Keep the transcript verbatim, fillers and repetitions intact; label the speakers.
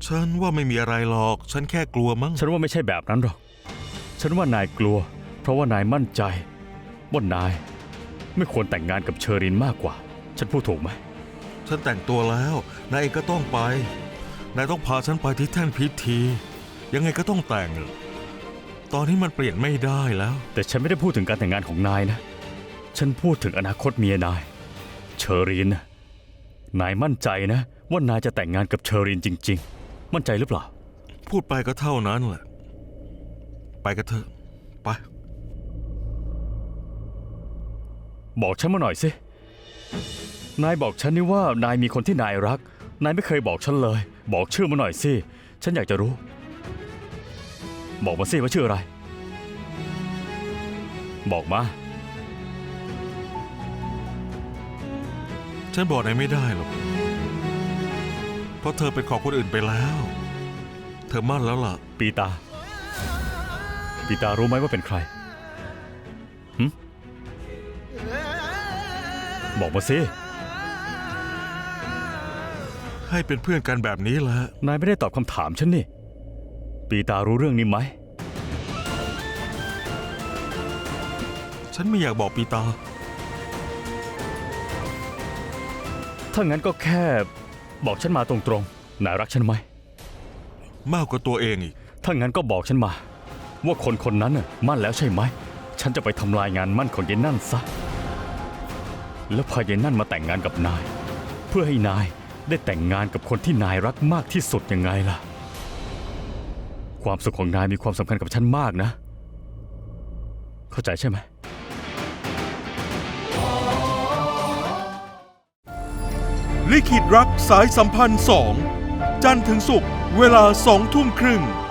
Speaker 1: ฉันว่าไม่มีอะไรหรอกฉันแค่กลัวมั้ง
Speaker 2: ฉันว่าไม่ใช่แบบนั้นหรอกฉันว่านายกลัวเพราะว่านายมั่นใจว่านายไม่ควรแต่งงานกับเชอรินมากกว่าฉันพูดถูกไหม
Speaker 1: ฉันแต่งตัวแล้วนายเองก็ต้องไปนายต้องพาฉันไปที่แท่นพิธียังไงก็ต้องแต่งตอนนี้มันเปลี่ยนไม่ได้แล้ว
Speaker 2: แต่ฉันไม่ได้พูดถึงการแต่งงานของนายนะฉันพูดถึงอนาคตเมียนายเชอรินนายมั่นใจนะว่านายจะแต่งงานกับเชอรินจริงๆมั่นใจหรือเปล่า
Speaker 1: พูดไปก็เท่านั้นแหละไปกันเถอะไป
Speaker 2: บอกฉันมาหน่อยสินายบอกฉันนี่ว่านายมีคนที่นายรักนายไม่เคยบอกฉันเลยบอกชื่อมาหน่อยสิฉันอยากจะรู้บอกมาสิว่าชื่ออะไรบอกมา
Speaker 1: ฉันบอกนายไม่ได้หรอกเพราะเธอเป็นของคนอื่นไปแล้วเธอมั่นแล้วล่ะ
Speaker 2: ปีตาปีตารู้ไหมว่าเป็นใครหึบอกมาสิ
Speaker 1: ให้เป็นเพื่อนกันแบบนี้แหละ
Speaker 2: นายไม่ได้ตอบคำถามฉันนี่ปีตารู้เรื่องนี้ไหม
Speaker 1: ฉันไม่อยากบอกปีตา
Speaker 2: ถ้างั้นก็แค่บอกฉันมาตรงๆนายรักฉันไหม
Speaker 1: มากกว่าตัวเองอีก
Speaker 2: ถ้างั้นก็บอกฉันมาว่าคนคนนั้นน่ะมั่นแล้วใช่ไหมฉันจะไปทำลายงานมั่นของยายนั่นซะแล้วพายายนั่นมาแต่งงานกับนายเพื่อให้นายได้แต่งงานกับคนที่นายรักมากที่สุดยังไงล่ะความสุขของนายมีความสำคัญกับฉันมากนะเข้าใจใช่ไหม
Speaker 1: ลิขิตรักสายสัมพันธ์สองจันทร์ถึงศุกร์เวลาสองทุ่มครึ่ง